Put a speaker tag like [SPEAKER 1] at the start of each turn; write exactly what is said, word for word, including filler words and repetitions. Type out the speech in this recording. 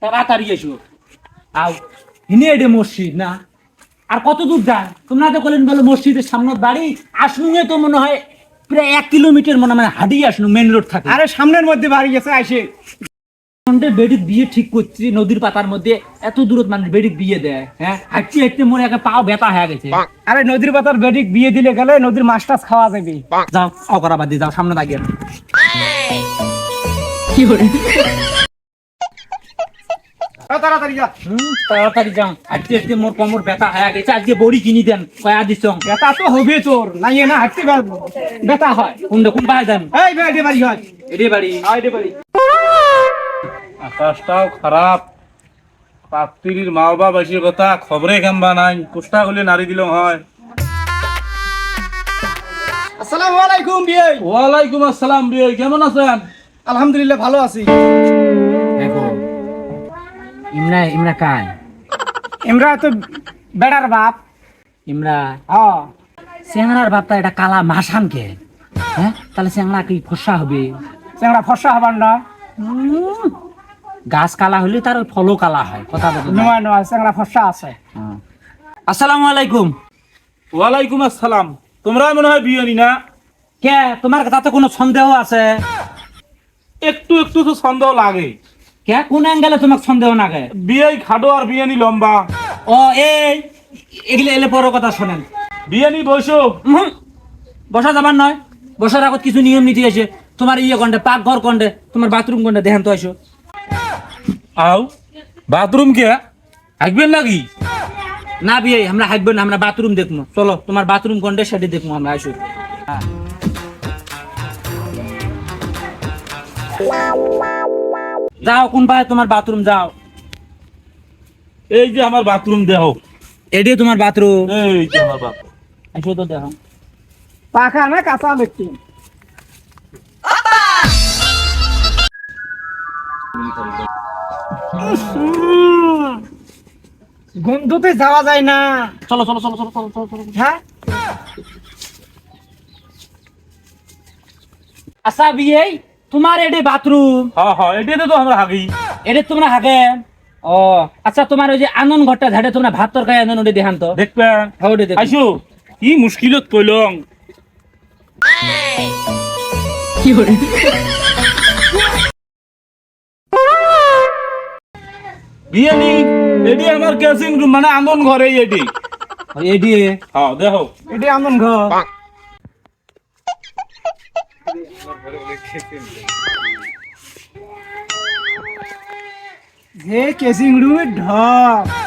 [SPEAKER 1] তাড়াতাড়ি এসো। আও হিনে এডে মসজিদ না, আর কত দূর যায়? তোমরা তো বলেন বলো মসজিদের সামনে বাড়ি, আসনুঙে তো মনে হয় প্রায় এক কিলোমিটার মনে মানে হাঁটিয়ে আসনু, মেন রোড থাকে।
[SPEAKER 2] আরে সামনের মধ্যে বাড়ি গেছে আইসে
[SPEAKER 1] বেডিক বিয়ে ঠিক করছি নদীর পাতার মধ্যে, এত দূরত মানুষ বেডিক বিয়ে দেয়? হ্যাঁ, হাঁটতে হাঁটতে মনে একটা পাও ব্যথা হয়ে গেছে।
[SPEAKER 2] আরে নদীর পাতার বেডিক বিয়ে দিলে গেলে নদীর মাছ টাছ খাওয়া যাবে।
[SPEAKER 1] যাও অকরা বাদ দিয়ে যাও, সামনে দাঁড়িয়ে কি করে
[SPEAKER 2] তাড়াতাড়ি যা।
[SPEAKER 1] হুম তাড়াতাড়ি যাও, হাঁটতে হাঁটতে মোর কোমর ব্যথা হয়ে গেছে। আজকে বড়ি কিনি দেন কয়া দিছ?
[SPEAKER 2] ব্যথা তো হবে তোর, নাই না হাঁটতে পারবো, ব্যথা হয়।
[SPEAKER 1] কোন কোন পায়ে দেন?
[SPEAKER 2] এই বেডে বাড়ি হয়,
[SPEAKER 1] এডে বাড়ি।
[SPEAKER 2] আইডে বাড়ি।
[SPEAKER 3] আকাশটাও খারাপ, পাত্রীর মা বাবা বেশি কথা খবরে কেমবা নাই, কুষ্টা হলে নারী দিল হয়।
[SPEAKER 2] আসসালামু আলাইকুম বিয়ে।
[SPEAKER 3] ওয়ালাইকুম আসসালাম বিয়ে, কেমন আছেন?
[SPEAKER 2] আলহামদুলিল্লাহ ভালো আছি।
[SPEAKER 1] দেখো ইমরা ইমরা কায়?
[SPEAKER 2] ইমরা তো বেড়ার বাপ।
[SPEAKER 1] ইমরা
[SPEAKER 2] হ্যাঁ
[SPEAKER 1] চেংড়ার বাপটা এটা কালা মাসান কে? হ্যাঁ তাহলে চেংড়া কি ফসা হবে?
[SPEAKER 2] চেংড়া ফর্সা হবার না,
[SPEAKER 1] গাছ কালা হলে তার ওই ফলও কালা হয়, কথা বলতে না।
[SPEAKER 2] নয় নয় চেংড়া ফর্সা আছে।
[SPEAKER 1] আসসালামু আলাইকুম।
[SPEAKER 3] ওয়ালাইকুম আসসালাম। তোমরা মনে হয় বিয়ে নি না?
[SPEAKER 1] কে তোমার তাতে কোনো সন্দেহ আছে?
[SPEAKER 3] একটু একটু তো সন্দেহ লাগে।
[SPEAKER 1] কে কোন অ্যাঙ্গেলে তোমার সন্দেহ না গে?
[SPEAKER 3] বিয়ে খাটো আর বিয়ে নি লম্বা।
[SPEAKER 1] ও এই এগুলো এলে বড় কথা শোনেন।
[SPEAKER 3] বিয়ে নি বসো।
[SPEAKER 1] হুম, বসা যাবার নয়, বসার আগত কিছু নিয়ম নীতি আছে। তোমার ইয়ে কন্ডে পাক ঘর কন্ডে, তোমার বাথরুম কন্ডে দেখেন তো আইসো।
[SPEAKER 3] আও বাথরুম কে আসবেন নাকি?
[SPEAKER 1] না বিয়ে আমরা হাঁটবো না, আমরা বাথরুম দেখবো। চলো তোমার বাথরুম কন্ডে সেটি দেখবো আমরা, আইসো। যাও কোন পায়ে তোমার বাথরুম, যাও।
[SPEAKER 3] এই যে আমার বাথরুম দেহ,
[SPEAKER 1] এটি তোমার বাথরুম,
[SPEAKER 3] এই যে আমার বাথরুম।
[SPEAKER 1] আইসো তো দেখো।
[SPEAKER 2] পাখা না কাঁচা ব্যক্তি। গন্ধতে যাওয়া যায় না।
[SPEAKER 1] চলো চলো চলো চলো চলো চলো চলো।
[SPEAKER 2] হ্যাঁ
[SPEAKER 1] আচ্ছা বিয়ে তোমার এডে বাথরুম,
[SPEAKER 3] হ্যাঁ হ্যাঁ এটাতে তো আমরা হাগি।
[SPEAKER 1] এডে তোমরা হাগে? ও আচ্ছা, তোমার ওই যে আনন্দ ঘরটা ঝাড়ে তোমরা ভাত তরকারি আনন্দ ওটা দেখান তো।
[SPEAKER 3] দেখবেন
[SPEAKER 1] হ্যাঁ ওটা দেখো।
[SPEAKER 3] আইসো, কি মুশকিলত কইলং।
[SPEAKER 1] কি করে
[SPEAKER 3] বিয়ে নি এটি আমার কেসিং রুম, মানে আন্দন ঘরে এটি।
[SPEAKER 1] এডি?
[SPEAKER 3] হ্যাঁ দেখো,
[SPEAKER 2] এটি আমন ঘর। যে কেসিং রুমের ঢপ